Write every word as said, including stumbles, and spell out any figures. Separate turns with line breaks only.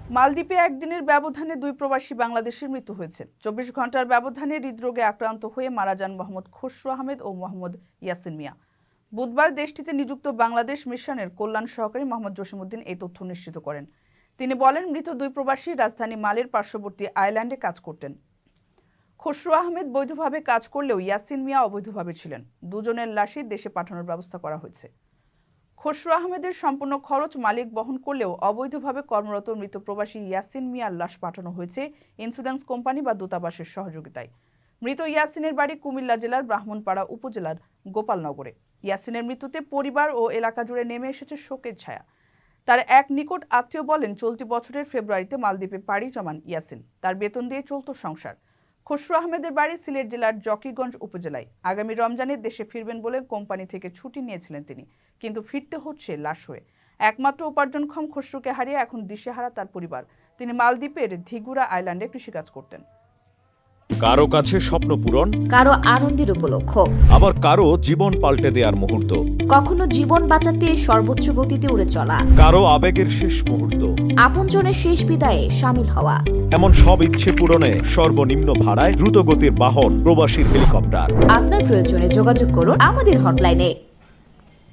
মালদ্বীপে একদিনের ব্যবধানে দুই প্রবাসী বাংলাদেশের মৃত্যু হয়েছে। চব্বিশ ঘন্টার ব্যবধানে হৃদরোগে আক্রান্ত হয়ে মারা যান মোহাম্মদ খসরু আহমেদ ও মোহাম্মদ ইয়াসিন মিয়া। বুধবার দেশটিতে নিযুক্ত বাংলাদেশ মিশনের কল্যাণ সহকারী মোহাম্মদ জসিমউদ্দিন এই তথ্য নিশ্চিত করেন। তিনি বলেন, মৃত দুই প্রবাসী রাজধানী মালের পার্শ্ববর্তী আইল্যান্ডে কাজ করতেন। খসরু আহমেদ বৈধভাবে কাজ করলেও ইয়াসিন মিয়া অবৈধভাবে ছিলেন। দুজনের লাশই দেশে পাঠানোর ব্যবস্থা করা হয়েছে। খসরু আহমেদের সম্পূর্ণ খরচ মালিক বহন করলেও অবৈধভাবে কর্মরত মৃত প্রবাসী ইয়াসিন মিয়ার লাশ পাঠানো হয়েছে ইন্স্যুরেন্স কোম্পানি বা দূতাবাসের সহযোগিতায়। মৃত ইয়াসিনের বাড়ি কুমিল্লা জেলার ব্রাহ্মণপাড়া উপজেলার গোপালনগরে। ইয়াসিনের মৃত্যুতে পরিবার ও এলাকা জুড়ে নেমে এসেছে শোকের ছায়া। তার এক নিকট আত্মীয় বলেন, চলতি বছরের ফেব্রুয়ারিতে মালদ্বীপে পাড়ি জমান ইয়াসিন। তার বেতন দিয়ে চলত সংসার। খসরু আহমেদের বাড়ি সিলেট জেলার জকিগঞ্জ উপজেলায়। আগামী রমজানে দেশে ফিরবেন বলে কোম্পানি থেকে ছুটি নিয়েছিলেন তিনি, কিন্তু ফিরতে হচ্ছে লাশ হয়ে। একমাত্র উপার্জনক্ষম খসরুকে হারিয়ে এখন দিশেহারা তার পরিবার। তিনি মালদ্বীপের ধিগুরা আইল্যান্ডে কৃষিকাজ করতেন।
কারো কাছে স্বপ্ন পূরণ,
কারো আনন্দের উপলক্ষ,
আবার কারো জীবন পাল্টে দেওয়ার মুহূর্ত,
কখনো জীবন বাঁচাতে সর্বোচ্চ গতিতে উড়ে চলা,
কারো আবেগের শেষ মুহূর্ত,
আপনজনের শেষ বিদায়ে শামিল হওয়া।
এমন সব ইচ্ছে পূরণে সর্বনিম্ন ভাড়ায় দ্রুতগতির বাহন প্রবাসীর হেলিকপ্টার।
আপনার প্রয়োজনে যোগাযোগ করুন আমাদের হটলাইনে।